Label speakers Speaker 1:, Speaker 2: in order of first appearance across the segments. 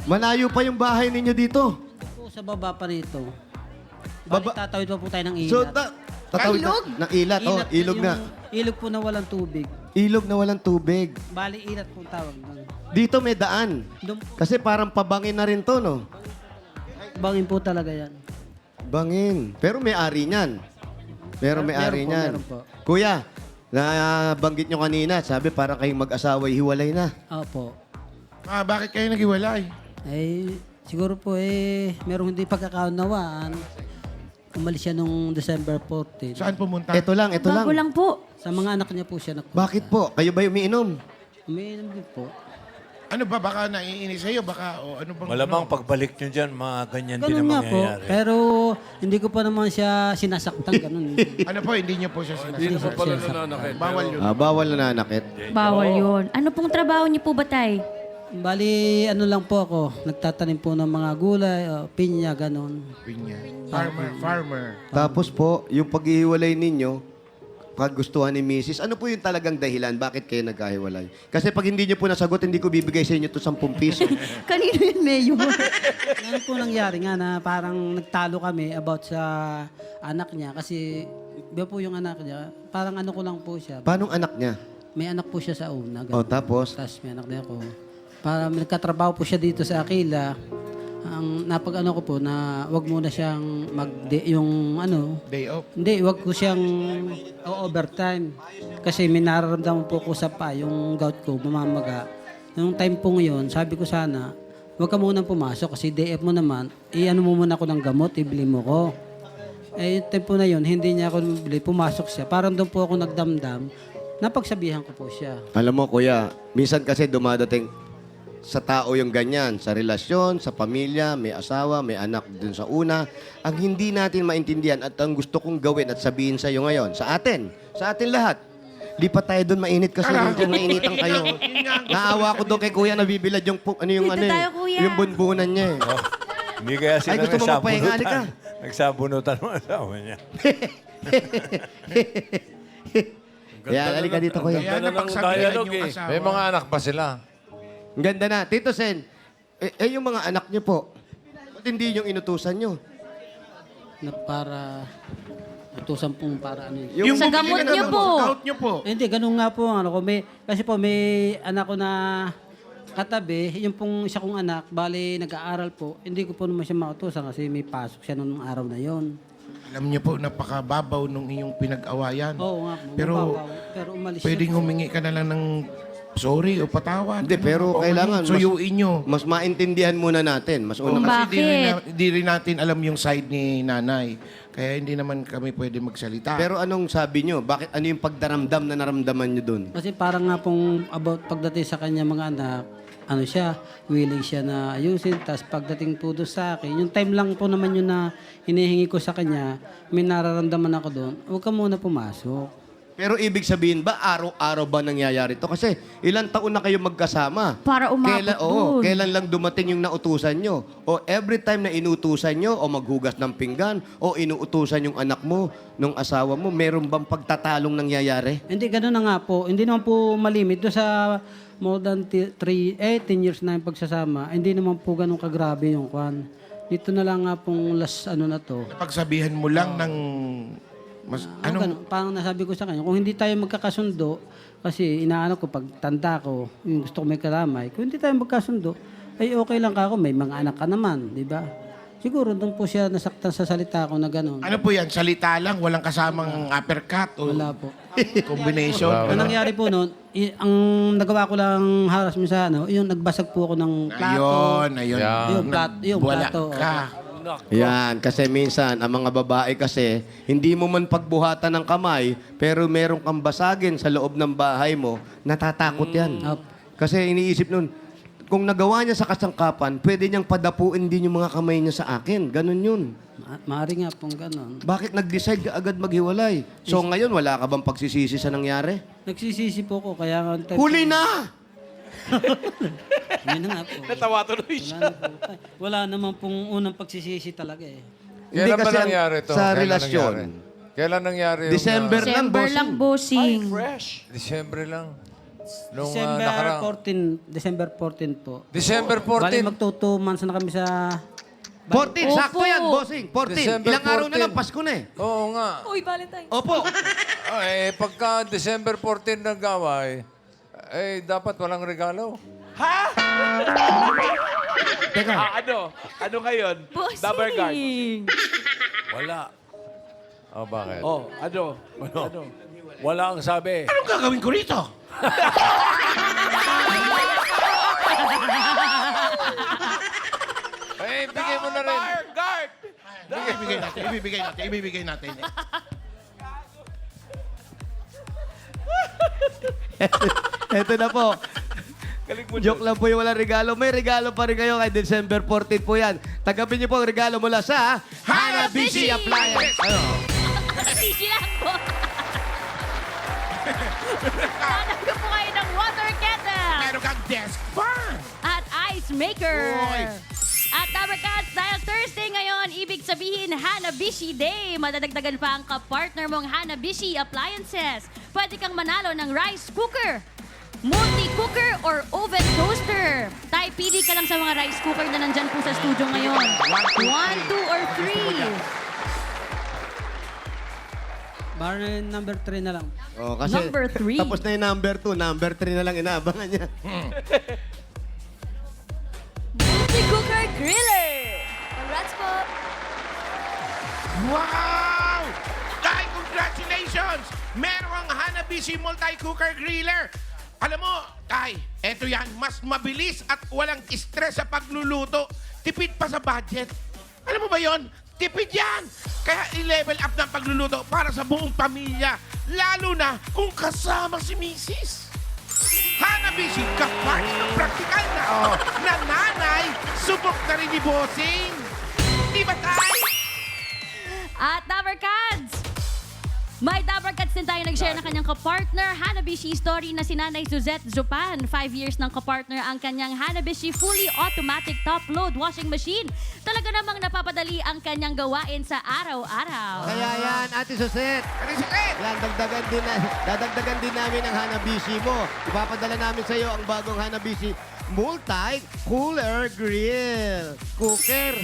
Speaker 1: Malayo pa yung bahay ninyo dito.
Speaker 2: Po, sa baba pa rito.
Speaker 1: Baba-
Speaker 2: Bali, tatawid pa po tayo ng ilat.
Speaker 1: So, tatawid
Speaker 3: Ilog?
Speaker 1: ng ilat. Oh, ilog na.
Speaker 2: Ilog po na walang tubig.
Speaker 1: Ilog na walang tubig.
Speaker 2: Bali, ilat po tawag doon.
Speaker 1: Dito may daan.
Speaker 2: Doon,
Speaker 1: Kasi parang pabangin na rin to, no?
Speaker 2: bangin po talaga yan.
Speaker 1: Bangin. Pero may ari niyan. Pero may ari
Speaker 2: Meron po,
Speaker 1: niyan.
Speaker 2: meron po.
Speaker 1: Kuya, nabanggit nyo kanina, sabi parang kayong mag-asawa, hiwalay na.
Speaker 2: Opo.
Speaker 3: Bakit kayo naghiwalay?
Speaker 2: Siguro po merong hindi pagkakaunawaan. Umalis siya nung December 14.
Speaker 3: Saan pumunta?
Speaker 1: Ito lang, ito lang.
Speaker 4: Bago lang po.
Speaker 2: Sa mga anak niya po siya nagpunta.
Speaker 1: Bakit po? Kayo ba umiinom?
Speaker 2: Umiinom din po.
Speaker 3: Ano ba? Baka naiinis sa'yo? Baka, o ano bang...
Speaker 5: Malamang
Speaker 3: ano?
Speaker 5: pagbalik nyo dyan, mga ganyan din
Speaker 2: Ganun
Speaker 5: ang
Speaker 2: nga po.
Speaker 5: mangyayari.
Speaker 2: Pero hindi ko pa naman siya sinasaktan. Ganun.
Speaker 3: Ano po, hindi niyo po siya
Speaker 6: Hindi
Speaker 3: sinasabi.
Speaker 6: na pala nananakit.
Speaker 3: Bawal yun.
Speaker 1: Bawal na nanakit.
Speaker 4: Bawal yun. Ano pong trabaho niyo po ba, Tay?
Speaker 2: Bali, ano lang po ako. Nagtatanim po ng mga gulay, pinya, ganun.
Speaker 3: Pinya. Farmer.
Speaker 1: Tapos po, yung paghihiwalay ninyo, kagustuhan ni Mrs., ano po yung talagang dahilan? Bakit kayo nagkahiwalay? Kasi pag hindi nyo po nasagot, hindi ko bibigay sa inyo to 10 piso.
Speaker 4: Kanino yun, Mayor?
Speaker 2: Ano po nangyari nga na parang nagtalo kami about sa anak niya. Kasi, iba po yung anak niya, parang ano ko lang po siya.
Speaker 1: Paano anak niya?
Speaker 2: May anak po siya sa una.
Speaker 1: O,
Speaker 2: Ganun.
Speaker 1: tapos?
Speaker 2: Tapos may anak din ako. Para nagkatrabaho po siya dito sa Aquila. Ang napag-ano ko po na wag muna siyang yung ano,
Speaker 3: Day off.
Speaker 2: hindi, wag ko siyang overtime. Kasi may nararamdaman po ko sa pa, yung gout ko, mamamaga. Nung time po ngayon, sabi ko sana, wag ka muna pumasok kasi DF mo naman, ano mo muna ako ng gamot, ibili mo ko. Yung time po na yun, hindi niya ako bili, pumasok siya. Parang doon po ako nagdamdam, napagsabihan ko po siya.
Speaker 1: Alam mo, kuya, minsan kasi dumadating sa tao yung ganyan, sa relasyon, sa pamilya, may asawa, may anak dun sa una. Ang hindi natin maintindihan at ang gusto kong gawin at sabihin sa iyo ngayon, sa atin lahat. Di pa tayo doon mainit kasi medyo nainitan kayo. Naawa ko doon kay kuya, nabibilad yung,
Speaker 4: Dito tayo, kuya.
Speaker 1: yung bunbunan niya eh.
Speaker 5: Hindi kaya sila
Speaker 1: Ay, gusto mo magpahinga, halika.
Speaker 5: nagsabunutan. Nagsabunutan ng asawa niya.
Speaker 1: Kaya, halika dito kuya.
Speaker 3: Kaya
Speaker 6: Ganda ng
Speaker 3: napagsabihan
Speaker 6: dialogue
Speaker 3: yung
Speaker 6: eh.
Speaker 3: asawa.
Speaker 7: May mga anak pa sila.
Speaker 1: Ang ganda na. Tito Sen, yung mga anak niyo po, ba't hindi yung inutusan niyo?
Speaker 2: Na para utusan pong para ano yun.
Speaker 3: Yung
Speaker 4: Sa
Speaker 3: bumili
Speaker 4: gamot
Speaker 3: ka ng
Speaker 4: niyo
Speaker 3: gamot,
Speaker 4: po.
Speaker 3: sa gout niyo po.
Speaker 2: Hindi, ganun nga po ang ano ko. Kasi po may anak ko na katabi, yung pong isa kong anak, bali nag-aaral po, hindi ko po naman siya mautusan kasi may pasok siya nung araw na yon.
Speaker 3: Alam niyo po, napakababaw nung iyong pinag-awayan.
Speaker 2: Oo nga po.
Speaker 3: Pero,
Speaker 2: mababaw. Pero umalis
Speaker 3: pwedeng
Speaker 2: siya.
Speaker 3: humingi ka na lang ng sorry o patawad.
Speaker 1: Hindi, pero kailangan
Speaker 3: Suyuin niyo.
Speaker 1: mas maintindihan muna natin. Mas
Speaker 3: Oh,
Speaker 1: una
Speaker 3: kasi
Speaker 4: Bakit?
Speaker 3: di rin natin alam yung side ni nanay. Kaya hindi naman kami pwede magsalita.
Speaker 1: Pero anong sabi nyo? Bakit ano yung pagdaramdam na naramdaman nyo dun?
Speaker 2: Kasi parang nga pong about pagdating sa kanya mga anak, ano siya, willing siya na ayusin. Tapos pagdating po doon sa akin, yung time lang po naman yun na hinihingi ko sa kanya, may nararamdaman ako doon, huwag ka muna pumasok.
Speaker 1: Pero ibig sabihin ba, araw-araw ba nangyayari to? Kasi ilang taon na kayo magkasama.
Speaker 4: Para umabot dun.
Speaker 1: Kailan lang dumating yung nautusan nyo? O every time na inutusan nyo, o maghugas ng pinggan, o inuutusan yung anak mo, nung asawa mo, meron bang pagtatalong nangyayari?
Speaker 2: Hindi, gano'n na nga po. Hindi naman po malimit. Doon sa more than 10 years na yung pagsasama, hindi naman po gano'n kagrabe yung kwan. Dito na lang nga pong last ano na to.
Speaker 3: Pagsabihan mo lang ng... Mas,
Speaker 2: Ganun, parang nasabi ko sa kanya, kung hindi tayo magkakasundo, kasi inaano ko, pag tanda ko, yung gusto ko may karamay, kung hindi tayo magkasundo, ay okay lang ka ako, may mga anak ka naman, di ba? Siguro doon po siya nasaktan sa salita ko na gano'n.
Speaker 3: Ano po yan? Salita lang? Walang kasamang uppercut o
Speaker 2: Wala po.
Speaker 3: combination?
Speaker 2: Ang nangyari po noon, ang nagawa ko lang harassment sa ano, yung nagbasag po ako ng plato.
Speaker 3: Ayun.
Speaker 2: Yung
Speaker 3: Wala
Speaker 2: plato.
Speaker 3: ka.
Speaker 1: Yan, kasi minsan, ang mga babae kasi, hindi mo man pagbuhatan ng kamay, pero meron kang basagin sa loob ng bahay mo, natatakot yan.
Speaker 2: Opo.
Speaker 1: Kasi iniisip nun, kung nagawa niya sa kasangkapan, pwede niyang padapuin din yung mga kamay niya sa akin. Ganon yun.
Speaker 2: Maari nga pong gano'n.
Speaker 1: Bakit nag-decide ka agad maghiwalay? So ngayon, wala ka bang pagsisisi sa nangyari?
Speaker 2: Nagsisisi po ko, kaya nga...
Speaker 1: Huli na!
Speaker 2: Yun na nga po.
Speaker 6: Natawa tuloy siya.
Speaker 2: Wala naman pong unang pagsisisi talaga eh.
Speaker 1: Hindi
Speaker 7: Kailan ba
Speaker 1: kasi ang-
Speaker 7: nangyari ito?
Speaker 1: sa
Speaker 7: Kailan
Speaker 1: relasyon.
Speaker 7: nangyari? Kailan nangyari yung...
Speaker 1: December lang,
Speaker 4: December
Speaker 1: bossing.
Speaker 4: lang, bossing.
Speaker 6: Fresh.
Speaker 7: December lang.
Speaker 5: Nung
Speaker 2: December 14 po.
Speaker 5: December
Speaker 2: Bali
Speaker 5: 14.
Speaker 2: magto 2 months na kami sa...
Speaker 1: 14,
Speaker 4: Opo.
Speaker 1: sakto yan, bossing. 14.
Speaker 5: December
Speaker 1: Ilang araw na
Speaker 5: 14.
Speaker 1: lang, Pasko na eh.
Speaker 5: Oo nga.
Speaker 4: Uy, Valentine.
Speaker 1: Opo.
Speaker 5: Pagka December 14 nag-away, dapat walang regalo.
Speaker 1: Teka,
Speaker 6: Ano? Ano ngayon? Double guard.
Speaker 4: Bossing.
Speaker 5: Wala. Oh, bakit?
Speaker 6: Oh, ano? Ano?
Speaker 5: Wala ang sabi.
Speaker 3: Anong gagawin ko rito?
Speaker 5: Bigay mo na rin.
Speaker 6: Guard!
Speaker 3: Ibibigay natin.
Speaker 1: eto na po. Joke lang po yung walang regalo. May regalo pa rin kayo kay December 14 po yan. Tanggapin niyo po ang regalo mula sa Hanabishi Appliance. Ano?
Speaker 4: Easy lang po. Hanap ko po kayo ng water kettle
Speaker 3: Meron kang desk fan.
Speaker 4: at ice maker.
Speaker 3: Uy.
Speaker 4: At Tabarcats, dahil Thursday ngayon, ibig sabihin Hanabishi Day. Madadagdagan pa ang kapartner mong Hanabishi Appliances. Pwede kang manalo ng rice cooker, multi-cooker, or oven toaster. Tayo, pili ka lang sa mga rice cooker na nandyan po sa studio ngayon. 1, 2, or 3.
Speaker 2: Bar number 3 na lang.
Speaker 1: Oh, kasi
Speaker 4: Number 3.
Speaker 1: tapos na yung number 2. Number 3 na lang inaabangan niya.
Speaker 4: Multi-cooker griller. Congrats po.
Speaker 3: Wow! Tay, congratulations! Merong Hanabishi Multi-Cooker Griller. Alam mo, Tay, eto yan, mas mabilis at walang stress sa pagluluto. Tipid pa sa budget. Alam mo ba yon? Tipid yan! Kaya i-level up ng pagluluto para sa buong pamilya. Lalo na kung kasama si Mrs. Hanabishi, kapag ng praktikal na nanay, subok na rin ni Bossing. Di ba, Tay?
Speaker 4: At Dabarkads! May Dabarkads din tayo nag-share ng kanyang kapartner, Hanabishi story na si Nanay Suzette Zupan. 5 years ng kapartner ang kanyang Hanabishi fully automatic top-load washing machine. Talaga namang napapadali ang kanyang gawain sa araw-araw.
Speaker 1: Kaya yan, Ate Suset.
Speaker 3: Ano si Ted?
Speaker 1: Yan, dadagdagan din namin ang Hanabishi mo. Ipapadala namin sa iyo ang bagong Hanabishi Multi-Cooler Grill. Cooker.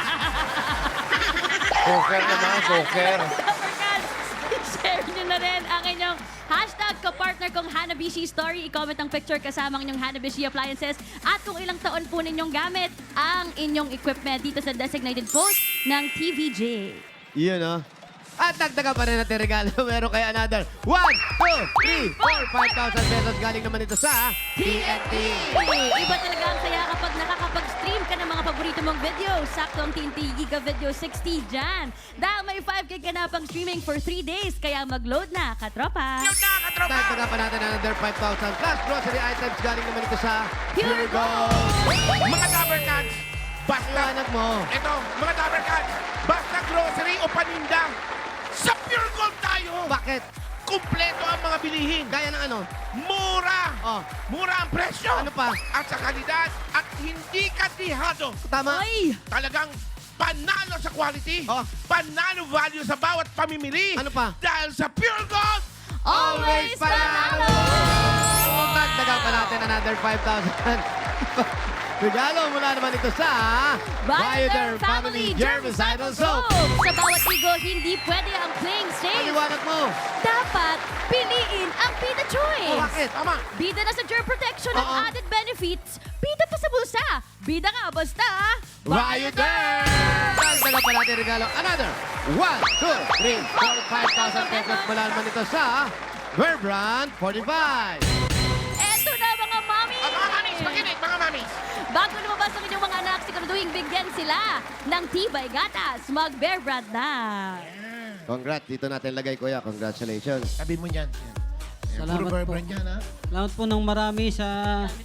Speaker 5: Cooker naman, cooker.
Speaker 4: Dabarkads, share nyo na rin ang inyong hashtag kapartner kong Hanabishi story. I-comment ang picture kasama ang inyong Hanabishi appliances at kung ilang taon po ninyong gamit ang inyong equipment dito sa designated post ng TVJ.
Speaker 1: Yun, oh. At dagdagan pa rin natin regalo. Meron kay another 1, 2, 3, 4, 5,000 pesos. Galing naman ito sa TNT.
Speaker 4: Iba talaga ang saya kapag nakakapag-stream ka ng mga paborito mong video. Sakto ang TNT Giga Video 60 dyan. Dahil may 5K ka na pang streaming for 3 days. Kaya mag-load na, katropa.
Speaker 3: Yung nakatropa!
Speaker 1: Dagdagan pa natin another 5,000 plus grocery items. Galing naman ito sa
Speaker 4: Pure Gold.
Speaker 3: Mga Dabarkads, basta...
Speaker 1: Iwanag mo.
Speaker 3: Ito, mga Dabarkads, basta grocery o paninda, sa Pure Gold tayo!
Speaker 1: Bakit?
Speaker 3: Kumpleto ang mga bilihin.
Speaker 1: Gaya ng ano?
Speaker 3: Mura!
Speaker 1: Oh,
Speaker 3: Mura ang presyo!
Speaker 1: Ano pa?
Speaker 3: At sa kalidad at hindi katihado.
Speaker 1: tama.
Speaker 4: Ay!
Speaker 3: Talagang panalo sa quality.
Speaker 1: Oh.
Speaker 3: Panalo value sa bawat pamimili.
Speaker 1: Ano pa?
Speaker 3: Dahil sa Pure Gold,
Speaker 4: Always panalo!
Speaker 1: Dagdagan pa natin another 5,000. Regalo mula naman ito sa
Speaker 4: Bioderm Family Germicidal Soap. Sa bawat ligo, hindi pwede ang playing safe.
Speaker 1: Paliwanag mo.
Speaker 4: Dapat piliin ang Pita Choice.
Speaker 1: Oh, bakit?
Speaker 3: tama.
Speaker 4: Bida na sa germ protection at
Speaker 1: Oo.
Speaker 4: added benefits. Bida pa sa bulsa. Bida nga basta.
Speaker 1: Bioderm! Dagdagan pa natin regalo. Another 1, 2, 3, 4, 5,000 pesos mula naman ito sa Verbrand 45.
Speaker 4: Eto na mga mami.
Speaker 3: Mga mamis, makinig, mga mamis.
Speaker 4: Bago lumabas ang inyong mga anak, siguraduhin bigyan sila ng tibay gatas. Mag-Bear Brand na.
Speaker 1: Congrats. Dito natin lagay, kuya. Congratulations.
Speaker 3: Sabi mo yan.
Speaker 2: Salamat
Speaker 3: Puro
Speaker 2: po.
Speaker 3: brand yan, ha?
Speaker 2: Salamat po ng marami sa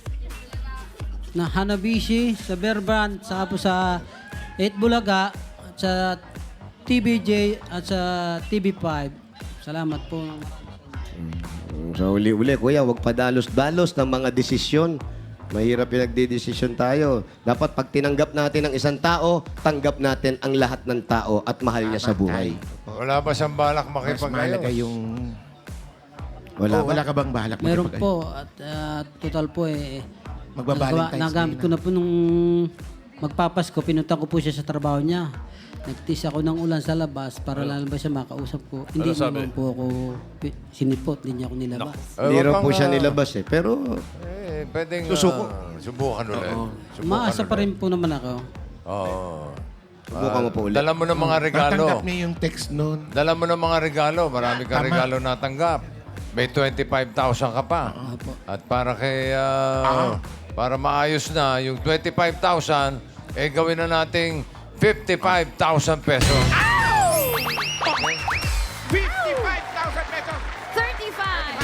Speaker 2: Hanabishi, sa Bear Brand, saka po sa 8 Bulaga, at sa TVJ at sa TV5. Salamat po.
Speaker 1: So, uli-uli, kuya, huwag padalos-dalos ng mga desisyon. Mahirap pinagdidesisyon tayo. Dapat pag tinanggap natin ang isang tao, tanggap natin ang lahat ng tao at mahal niya sa buhay.
Speaker 5: Wala ba siyang balak
Speaker 3: Mas mahalaga
Speaker 5: makipag-ayos?
Speaker 3: yung
Speaker 1: Wala ba?
Speaker 3: Wala ka bang balak
Speaker 2: Meron
Speaker 3: makipag-
Speaker 2: po. At total po
Speaker 3: Magba-Valentine's Day
Speaker 2: nagamit ko
Speaker 3: na.
Speaker 2: na po nung magpapasko. Pinunta ko po siya sa trabaho niya. Nagtis ako ng ulan sa labas para lalabas siya makausap ko. Hindi
Speaker 5: sabi?
Speaker 2: naman po ako sinipot. Hindi niya ako nilabas.
Speaker 1: Hindi raw po siya nilabas eh. Pero
Speaker 5: Pwedeng subukan ulit. Subukan
Speaker 2: Maasa pa rin po naman ako.
Speaker 5: Oo.
Speaker 1: subukan mo po ulit.
Speaker 5: Dala mo ng mga regalo.
Speaker 3: Tatanggap niya yung text noon.
Speaker 5: Dala mo ng mga regalo. Marami kang regalo natanggap. May 25,000 ka pa. At para kay... para maayos na yung 25,000, gawin na nating 55,000 pesos.
Speaker 3: 55,000 pesos!
Speaker 4: 35,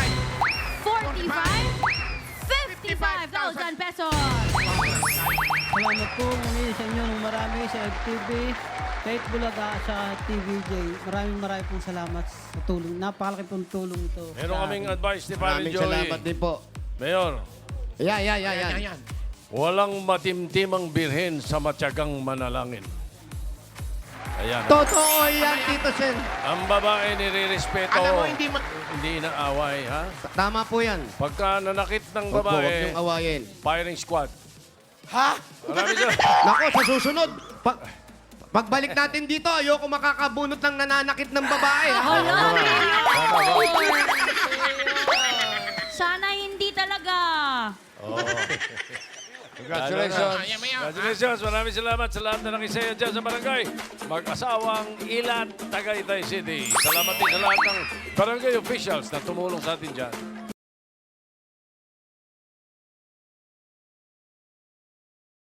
Speaker 4: 45, 55,000 pesos.
Speaker 2: Salamat po muli sa inyo ng marami sa FTV, kahit Bulaga sa TVJ. Maraming pong salamat sa tulong. Napakalaki pong tulong ito.
Speaker 7: Meron
Speaker 2: sa
Speaker 7: kaming
Speaker 2: akin.
Speaker 7: advice ni Paring
Speaker 1: Maraming
Speaker 7: Joey.
Speaker 1: salamat din po.
Speaker 7: Mayor,
Speaker 1: Yan.
Speaker 3: Ayan.
Speaker 7: walang matimtimang birhen sa matyagang manalangin. Ayan.
Speaker 1: Totoo yan, Tito Sen.
Speaker 7: Ang babae nire-respeto.
Speaker 3: Alam mo, hindi
Speaker 7: Hindi inaaway, ha?
Speaker 1: Tama po yan.
Speaker 7: Pagka nanakit ng
Speaker 1: Huwag po, huwag
Speaker 7: babae,
Speaker 1: niyong awayin.
Speaker 7: firing squad.
Speaker 3: Ha?
Speaker 7: Marami dyan.
Speaker 1: Nako, sa susunod, pagbalik natin dito, ayoko makakabunot ng nananakit ng babae. ha?
Speaker 4: Hala, sana hindi talaga.
Speaker 5: Congratulations.
Speaker 7: Congratulations. Maraming salamat sa lahat na nakisaya dyan sa barangay. Mag-asawang Ilan, Tagaytay City. Salamat din sa lahat ng barangay officials na tumulong sa atin dyan.